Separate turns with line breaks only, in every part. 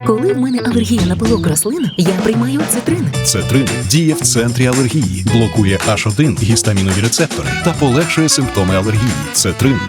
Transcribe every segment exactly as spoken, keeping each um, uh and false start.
Коли в мене алергія на пилок рослин, я приймаю цитрин.
Цетрин діє в центрі алергії, блокує аш один гістамінові рецептори та полегшує симптоми алергії. Цетрин.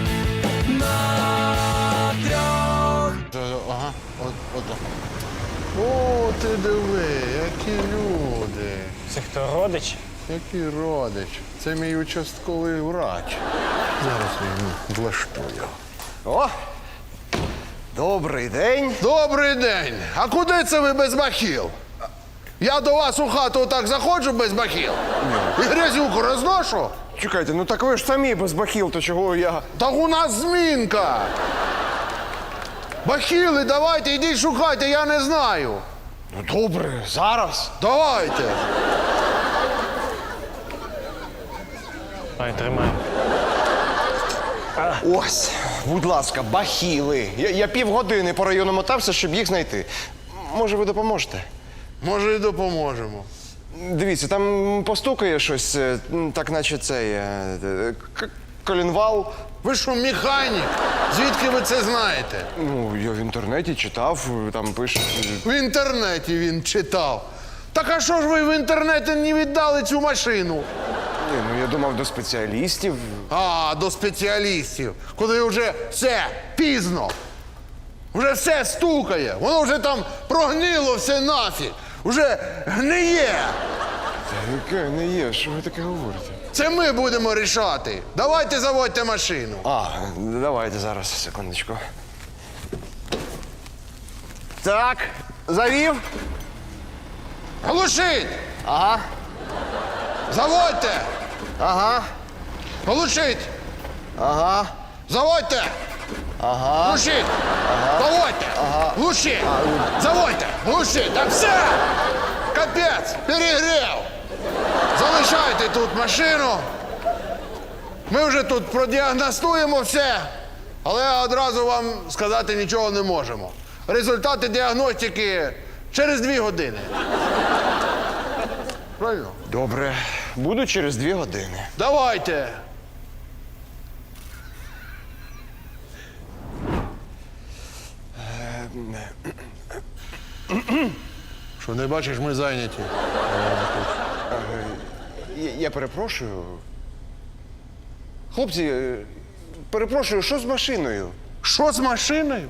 Ага, от, от. О, ти диви, які люди.
Це хто, родич?
Який родич. Це мій участковий врач. Зараз я йому влаштую.
О! Добрий день.
Добрий день. А куди це ви без бахіл? Я до вас у хату так заходжу без бахіл. І грязюку розношу.
Чекайте, ну так ви ж самі без бахіл, то чого я.
Так у нас змінка. Бахіли, давайте, йдіть шукайте, я не знаю.
Ну добре, зараз.
Давайте.
Ай, тримай.
Ось, будь ласка, бахіли. Я, я півгодини по району мотався, щоб їх знайти. Може, ви допоможете?
Може, і допоможемо.
Дивіться, там постукає щось, е, так наче це є. е, к- Колінвал.
Ви що, механік? Звідки ви це знаєте?
Ну, я в інтернеті читав, там пишуть.
В інтернеті він читав. Так а що ж ви в інтернеті не віддали цю машину?
Ні, ну я думав до спеціалістів.
А, до спеціалістів. Коли вже все пізно. Вже все стукає. Воно вже там прогнило все нафіг. Вже гниє.
Та яке не є, що ви таке говорите?
Це ми будемо рішати. Давайте заводьте машину.
А, давайте зараз, секундочку. Так, завів.
Глушіть!
Ага,
Заводьте!
ага,
Глушіть!
ага,
Заводьте!
ага.
Глушіть! Заводьте! Глушіть! Заводьте! Глушіть! Так все! Капець! Перегрів! Залишайте тут машину. Ми вже тут продіагностуємо все, але одразу вам сказати нічого не можемо. Результати діагностики через дві години. Правильно?
Добре, буду через дві години.
Давайте. Що, не бачиш, ми зайняті.
Я, я перепрошую. Хлопці, е, перепрошую, що з машиною?
Що з машиною?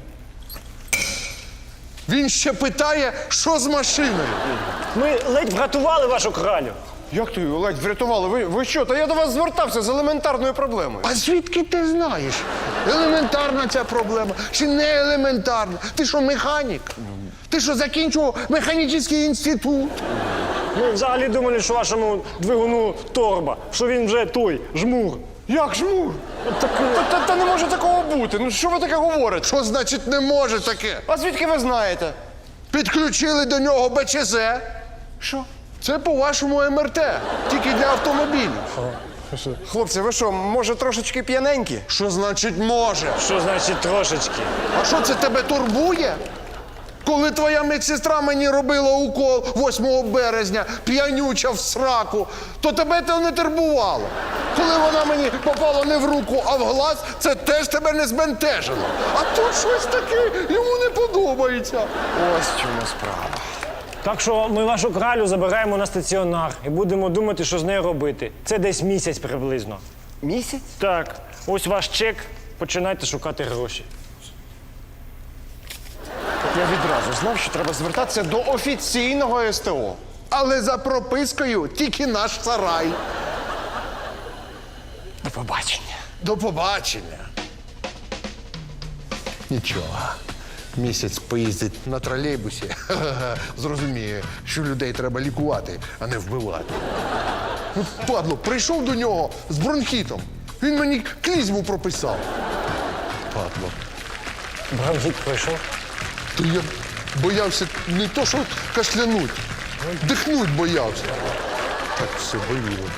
Він ще питає, що з машиною.
Ми ледь врятували вашу кралю.
Як ти його ледь врятували? Ви, ви що? Та я до вас звертався з елементарною проблемою.
А звідки ти знаєш? Елементарна ця проблема чи не елементарна? Ти що, механік? Ти що, закінчував механічний інститут?
Ми взагалі думали, що вашому двигуну торба, що він вже той, жмур.
Як жмур? Та, та, та не може такого бути. Ну що ви таке говорите?
Що значить не може таке?
А звідки ви знаєте?
Підключили до нього Б Ч З.
Що?
Це по-вашому М Р Т, тільки для автомобілів.
Хлопці, ви що, може трошечки п'яненькі?
Що значить може?
Що значить трошечки?
А що це тебе турбує? Коли твоя медсестра мені робила укол восьмого березня, п'янюча в сраку, то тебе це не турбувало. Коли вона мені попала не в руку, а в глаз, це теж тебе не збентежило. А тут щось таке йому не подобається.
Ось в чому справа.
Так що ми вашу кралю забираємо на стаціонар і будемо думати, що з нею робити. Це десь місяць приблизно.
Місяць?
Так, ось ваш чек, починайте шукати гроші.
Я відразу знав, що треба звертатися до офіційного С Т О.
Але за пропискою тільки наш сарай.
До побачення.
До побачення. Нічого. Місяць поїздить на тролейбусі. Зрозуміє, що людей треба лікувати, а не вбивати. Ну, падло, прийшов до нього з бронхітом. Він мені клізму прописав. Падло.
Бронхіт пройшов.
То я боявся не то, що кашлянуть, дихнуть боявся. Так все боліло.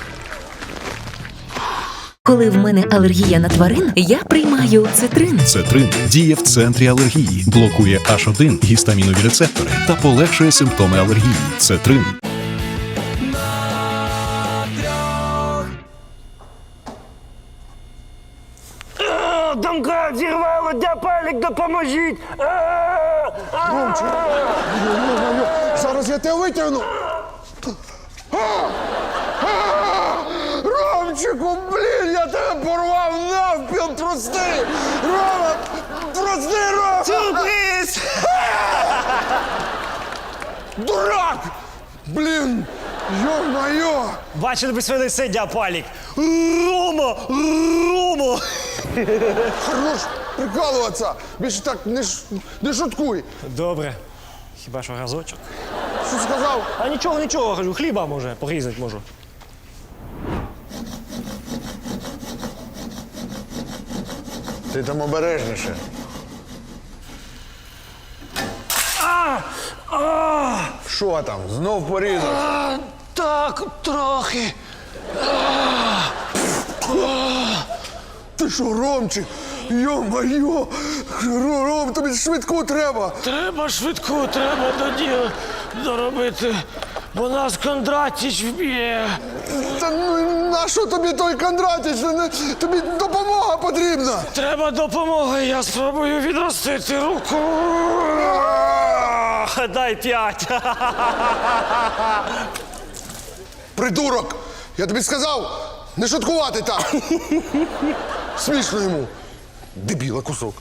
Коли в мене алергія на тварин, я приймаю цитрин.
Цетрин діє в центрі алергії, блокує аш один гістамінові рецептори та полегшує симптоми алергії. Цетрин.
Домкрат зірвало, де палік, допоможіть!
Ромчик, Ё-моё, зараз я тебе витягну. А! А! Ромчику, блін, я тебе порвав навпіл, прости! Рома, прости, Рома!
Сюрприз!
Дурак! Блін, ё-моё!
Бачили би своє лице, дяпалік. Рома! Рома!
Хорош прикалуватися! Більше так не, ш... не шуткуй!
Добре. Хіба що разочок?
Що сказав?
А нічого, нічого, кажу, хліба може, порізати можу.
Ти там обережніше. Що там? Знов порізав?
Так, трохи.
Ти що, Ромчик? Йо-моє! Ро- Ром, тобі швидку треба!
Треба швидку, треба до діла доробити, бо нас Кондратіч вб'є.
Та ну на що тобі той Кондратіч? Не- Тобі допомога потрібна!
Треба допомоги, я спробую відростити руку.
Дай п'ять.
Придурок! Я тобі сказав, не шуткувати так! Смішно йому. Дебіла кусок.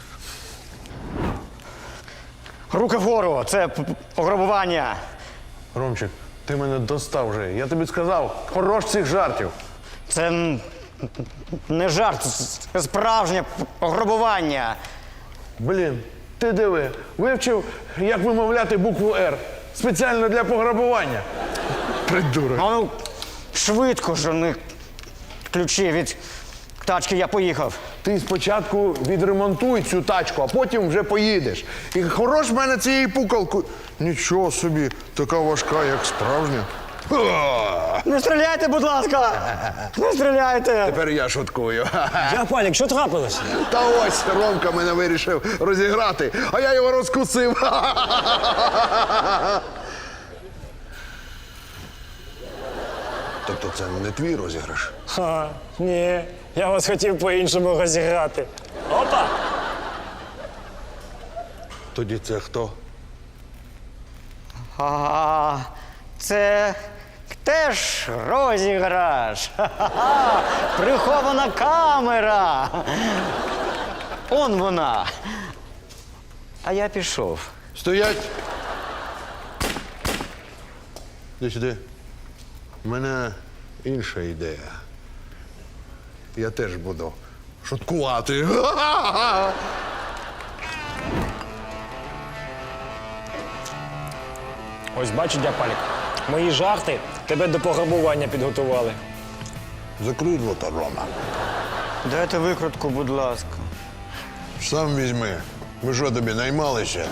Руки вгору, це п- п- пограбування.
Ромчик, ти мене достав вже. Я тобі сказав, хорош цих жартів.
Це м, не жарт, це справжнє п- пограбування.
Блін, ти диви, вивчив, як вимовляти букву Р. Спеціально для пограбування. Придурок.
А ну, швидко жони ключі від тачки, я поїхав.
Ти спочатку відремонтуй цю тачку, а потім вже поїдеш. І хорош в мене цією пукалкою. Нічого собі, така важка, як справжня. Ха!
Не стріляйте, будь ласка! Не стріляйте!
Тепер я шуткую.
Дяпалік, що трапилось?
Та ось Ромка мене вирішив розіграти, а я його розкусив.
Тобто це не твій розіграш?
Ха, ні, я вас хотів по-іншому розіграти. Опа!
Тоді це хто?
А, це теж розіграш. Ха-ха-ха! Прихована камера. Он вона. А я пішов.
Стоять! Іди сюди. У мене інша ідея. Я теж буду шуткувати.
Ось бачиш, дяпалік, мої жарти тебе до пограбування підготували.
Закрий рота, Рома.
Дайте викрутку, будь ласка.
Сам візьми. Ми що тобі наймалися?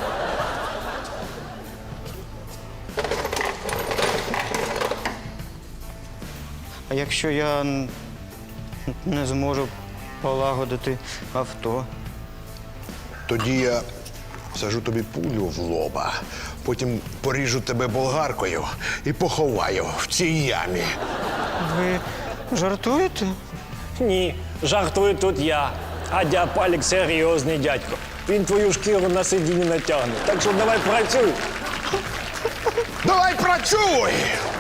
А якщо я н- не зможу полагодити авто?
Тоді я всажу тобі пулю в лоба, потім поріжу тебе болгаркою і поховаю в цій ямі.
Ви жартуєте?
Ні, жартую тут я. А дяпалік серйозний дядько. Він твою шкіру на сидінні натягне. Так що давай працюй.
Давай працюй!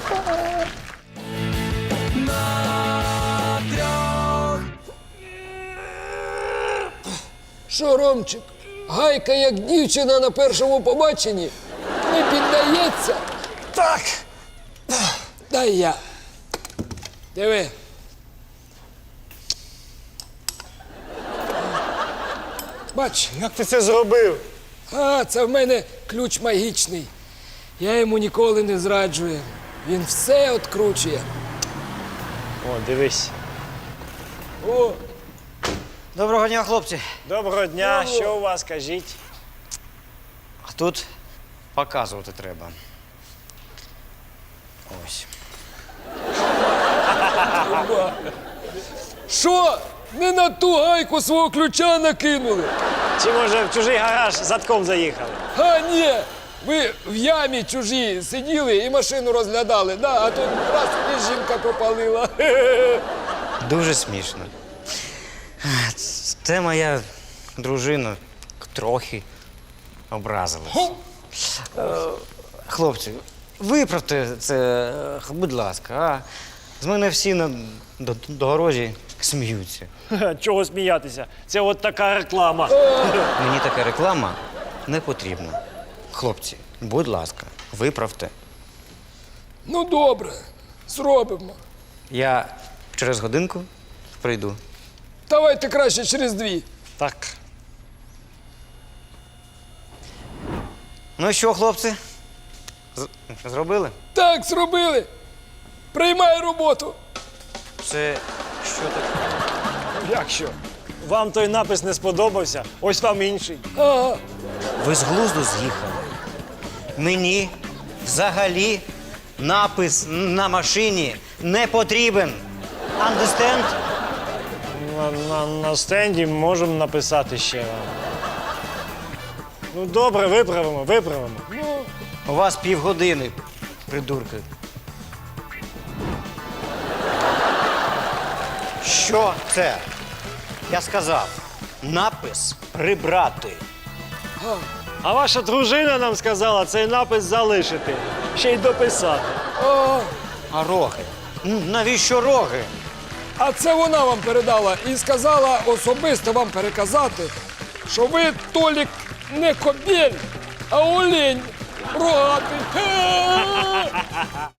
Що, Ромчик, гайка як дівчина на першому побаченні? Не піддається?
Так.
Дай я. Диви. Бач,
Як ти це зробив?
а, це в мене ключ магічний. Я йому ніколи не зраджую. Він все откручує.
О, дивись.
О,
Доброго дня, хлопці.
Доброго дня, що у вас, кажіть?
А тут показувати треба. Ось.
що? Не на ту гайку свого ключа накинули?
Чи може в чужий гараж задком заїхали?
А, ні. Ви в ямі чужі сиділи і машину розглядали, да, а тут раз і жінка попалила.
Дуже смішно. Це моя дружина трохи. образились. Е, Хлопці, виправте це, е, будь ласка, а? З мене всі на до- дорозі сміються.
Ха, чого сміятися? Це от така реклама.
Мені така реклама не потрібна. Хлопці, будь ласка, виправте.
Ну добре, зробимо.
Я через годинку прийду.
Давайте краще через дві.
Так.
Ну що, хлопці? З- Зробили?
Так, зробили. Приймай роботу.
Це що таке?
Як що? Вам той напис не сподобався, ось вам інший.
Ага.
Ви з глузду з'їхали. Мені взагалі напис на машині не потрібен. Understand?
На, на, на стенді можемо написати ще вам. Ну добре, виправимо, виправимо.
Ну,
У вас півгодини, придурки. Що це? Я сказав, напис прибрати.
А ваша дружина нам сказала цей напис залишити, ще й дописати.
а,
А роги? М, Навіщо роги?
а це вона вам передала і сказала особисто вам переказати, що ви, Толік, не кобіль, а олень рогатий. Ге!